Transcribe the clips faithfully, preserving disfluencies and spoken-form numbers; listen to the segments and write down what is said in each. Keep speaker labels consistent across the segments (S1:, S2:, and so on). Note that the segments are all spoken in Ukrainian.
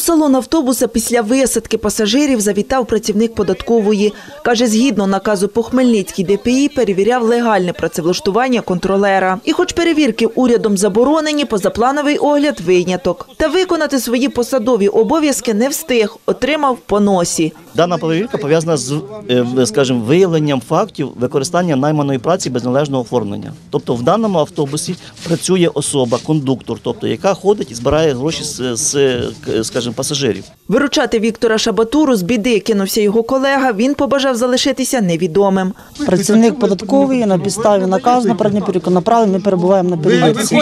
S1: салон автобуса після висадки пасажирів завітав працівник податкової. Каже, згідно наказу по Хмельницькій Д П І перевіряв легальне працевлаштування контролера. І хоч перевірки урядом заборонені, позаплановий огляд – виняток. Та виконати свої посадові обов'язки не встиг, отримав по носі.
S2: Дана перевірка пов'язана з, скажімо, виявленням фактів використання найманої праці без належного оформлення. Тобто в даному автобусі працює особа, кондуктор, тобто яка ходить і збирає гроші з, з скажімо, пасажирів.
S1: Виручати Віктора Шабатуру з біди кинувся його колега, він побажав залишитися невідомим.
S3: Працівник податковий на підставі наказу на передню перевірку направив, ми перебуваємо на перевірці.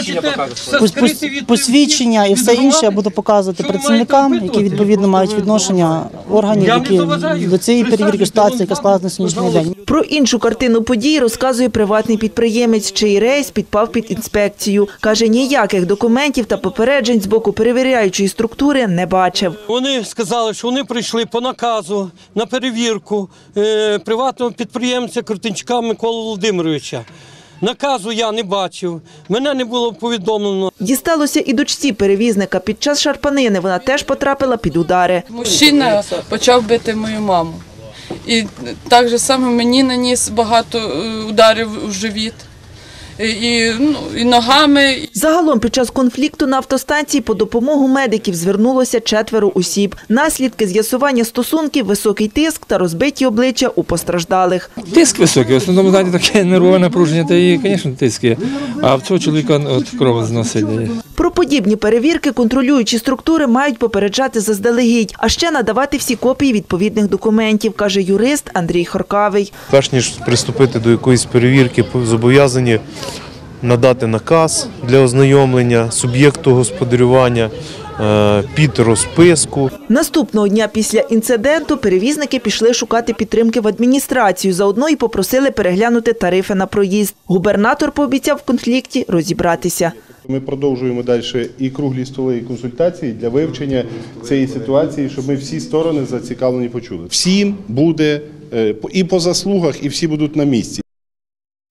S3: Посвідчення і все інше я буду показувати працівникам, які відповідно мають відношення органів, які до цієї перевірки ситуації, яка склалася на сьогоднішній день.
S1: Про іншу картину подій розказує приватний підприємець, чий рейс підпав під інспекцію. Каже, ніяких документів та попереджень з боку перевіряючої структури не бачив.
S4: Вони сказали, що вони прийшли по наказу на перевірку е, приватного підприємця Крутенчука Миколи Володимировича. Наказу я не бачив, мене не було повідомлено.
S1: Дісталося і дочці перевізника. Під час шарпанини вона теж потрапила під удари.
S5: Мужчина почав бити мою маму. І так же само мені наніс багато ударів у живіт. І, ну, і ногами.
S1: Загалом під час конфлікту на автостанції по допомогу медиків звернулося четверо осіб. Наслідки з'ясування стосунків – високий тиск та розбиті обличчя у постраждалих.
S6: Тиск високий, в основному, знаєте, таке нервове напруження, та і, звісно, тиск є. А в цього чоловіка от, кров зносить.
S1: Про подібні перевірки контролюючі структури мають попереджати заздалегідь, а ще надавати всі копії відповідних документів, каже юрист Андрій Хоркавий.
S7: Перш ніж приступити до якоїсь перевірки, зобов'язані надати наказ для ознайомлення суб'єкту господарювання під розписку.
S1: Наступного дня після інциденту перевізники пішли шукати підтримки в адміністрацію. Заодно й попросили переглянути тарифи на проїзд. Губернатор пообіцяв в конфлікті розібратися.
S8: Ми продовжуємо далі і круглі столи, і консультації для вивчення цієї ситуації, щоб ми всі сторони зацікавлені почули. Всім буде і по заслугах, і всі будуть на місці.